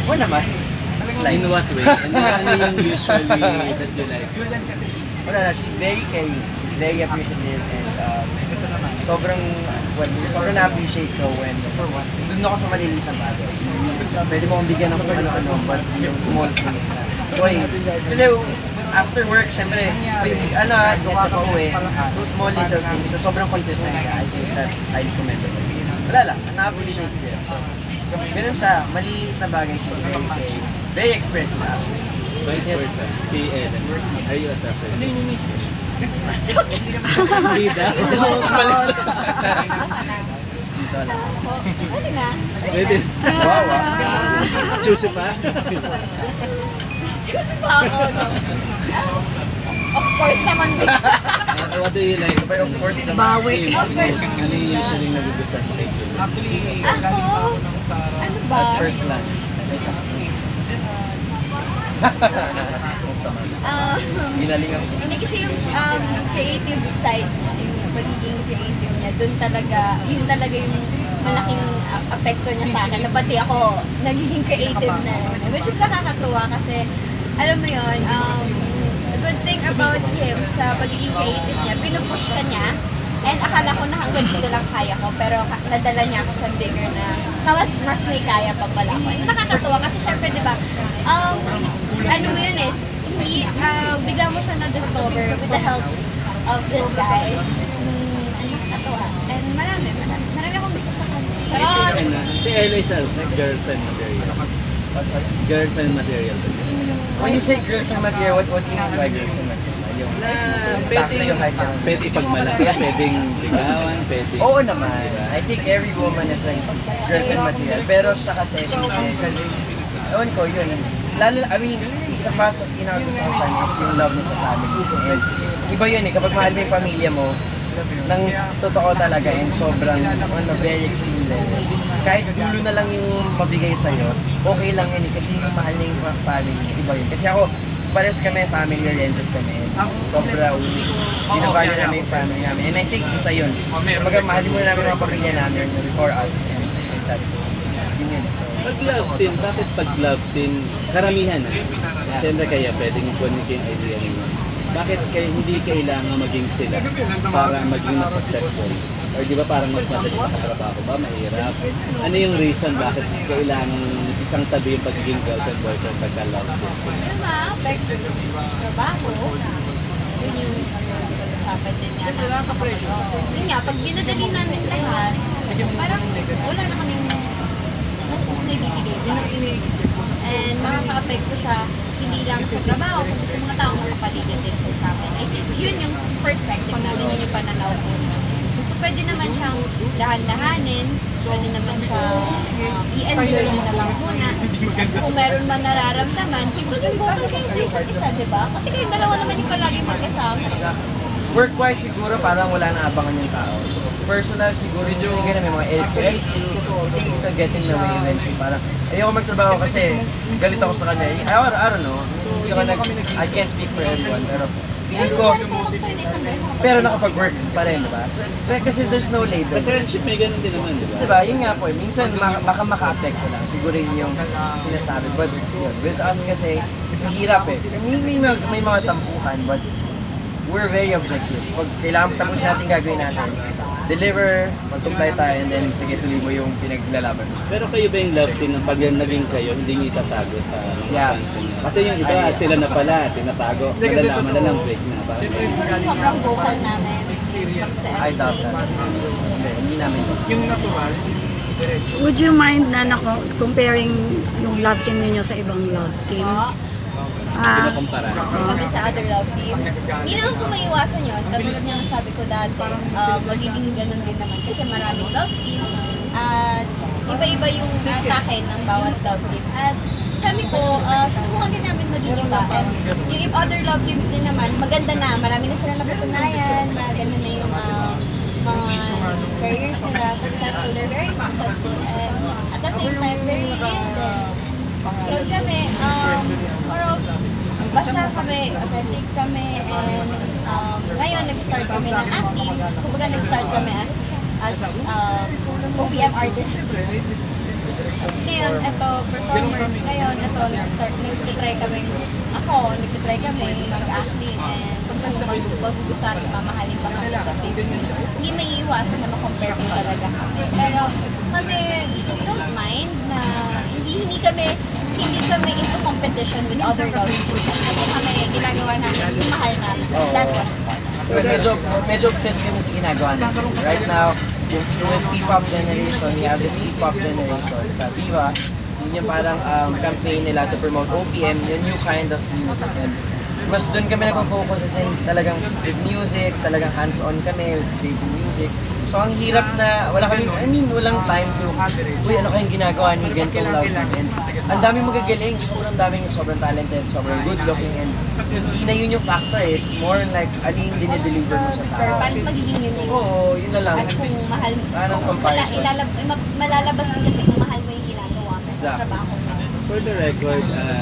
Oo naman. In what way? Ano yung usually that you like? Wala na, she's very caring. She's very appreciative and sobrang na-appreciate ko when doon ako sa maliliit na bagay. Pwede mo akong bigyan ng kung ano-ano, but yung small things na. Boy, kasi after work, syempre, buka pa uwi, those small little things na sobrang consistent ka, I think that's highly commendable. Wala lang, na-appreciate ko yun. So, ganun siya, maliliit na bagay siya, very expressive actually. Vice versa. Si Ellen, are you attracted? Kasi yun yung mismo. Hindi daw. Balik sa... Dito lang. Pwede na. Pwede. Wow, Juicy pa? Choose pa ako, no? Of course naman, bigla. What do you like? But of course naman. Bawi. Ano yung usually nagugustuhan mo kay Julie? Ako? Ano ba? At first glance. Ginalingan ko. Hindi kasi yung creative side, yung pagiging creative niya, doon talaga, yun talaga yung malaking apekto niya sa akin. Na pati ako, nagiging creative na rin. Which is nakakatuwa kasi, alam mo yun, the good thing about him sa pagiging creative niya, pinupush ka niya, and akala ko na hanggang dito lang kaya ko, pero nadala niya ako sa bigger na, mas may kaya pa pala ako. Nakakatuwa kasi syempre, di ba, ano yun is, bigla mo siya na-discover with the help of this guy. Nakakatuwa. And marami akong gusto sa kanya. Charot! Si Ella is a girlfriend material. Girlfriend material kasi. When you say girlfriend material, what do you mean by girlfriend material? Yung Pwede ipagmalaki, pwedeng ligawan, pwede. Oo naman. I think every woman is like girlfriend material. Pero siya kasi, ewan ko, yun. Lalo, I mean, isa pa sa pinakagusto ko sa kanya is yung love niya sa family. And iba yun eh, kapag mahal mo yung pamilya mo, nang totoo talaga and sobrang very extreme level. Kahit dulo na lang yung mabigay sa'yo, okay lang yun eh, kasi yung mahal niya yung family, iba yun. Kasi ako, pares kami, family oriented kami. Sobra ulit. Binavalue namin yung family namin. And I think isa yun. Kumbaga, mahalin muna namin mga pamilya namin before us. And that's yun yun. Pag love team, bakit pag love team, karamihan siyempre kaya pwedeng kunin yung idea ninyo. Bakit kayo hindi kailangan maging sila para maging mas successful? Or di ba parang mas madali makatrabaho ba? Mahirap? Ano yung reason bakit kailangan isang tabi yung pagiging girlfriend boyfriend pagka love this? Yun ma-affect yung trabaho. Yun yung usapan din nga namin. Yun nga, pag binadali namin lahat, parang wala na kaming naibibigay. And makaka-apekto siya hindi lang sa trabaho, kundi sa mga taong nakapaligid din sa amin. I think yun yung perspective namin, yun yung pananaw ko. So pwede naman siyang dahan-dahanin, pwede naman siya i-enjoy nyo na lang muna. Kung meron man nararamdaman, siguro important kayo sa isa't isa, di ba? Kasi kayo dalawa naman yung palagi magkasama. Work-wise siguro parang wala na abangan yung tao. Personal siguro yung sige na may mga I think it's a get in the way eventually. Parang ayoko magtrabaho kasi galit ako sa kanya. I don't know. I can't speak for everyone pero feeling ko pero nakapag-work pa rin, diba? So, kasi there's no label. Sa friendship may ganun din naman, di ba? Diba? Yun nga po eh. Minsan baka maka-apekto lang. Siguro yun yung sinasabi. But yun, with us kasi mahirap eh. May mga tampuhan but we're very objective. Pag kailangan tapos natin gagawin natin, deliver, magtumpay tayo, and then sige tuloy mo yung pinaglalaban. Pero kayo ba yung love team ng pag naging kayo, hindi nyo itatago sa mga fans niyo? Kasi yung iba, sila na pala, tinatago. Malalaman na lang break na. Sobrang vocal namin. I doubt that. Hindi namin. Yung natural, would you mind na comparing yung love team ninyo sa ibang love teams? Sila kumpara. Kami sa other love teams. Hindi naman po maiwasan yun. Katulad niya sabi ko dati, magiging ganun din naman kasi maraming love team at iba-iba yung atake ng bawat love team. At kami po, susubukan din namin maging iba. At yung other love teams din naman, maganda na. Marami na sila napatunayan. Maganda na yung mga naging careers nila. Successful. They're very successful. And at the same time, very real din. Kaya kami, basta kami, authentic kami, and ngayon nag-start kami ng acting. Kumbaga nag-start kami as OPM artists. Ngayon, ito, performers. Ngayon, ito, nagtitry kami. Ako, nagtitry kami mag-acting and mag-ugusan, mamahalin pa kami sa Facebook. Hindi may iiwasan na makompare ko talaga kami. Pero kami, we don't mind na hindi kami into competition with other girls. Kasi kami, ginagawa namin, yung mahal namin. That's what. Medyo obsessed kami sa ginagawa natin. Right now, with P-pop generation, we have this P-pop generation sa Viva. Yun yung parang campaign nila to promote OPM, yung new kind of music. And mas doon kami nag-focus kasi talagang with music, talagang hands-on kami with creating music. So ang hirap na, walang time to, uy, ano kayong ginagawa ni ganitong love team. And ang daming magagaling, sobrang talented, sobrang good looking, and hindi na yun yung factor eh. It's more like, ano yung dinideliver mo sa Sir, tao. paano magiging unique? Oo, yun na lang. At kung mahal mo, Parang comparison. malalabas din kasi kung mahal mo yung ginagawa mo sa Exactly. trabaho mo. For the record,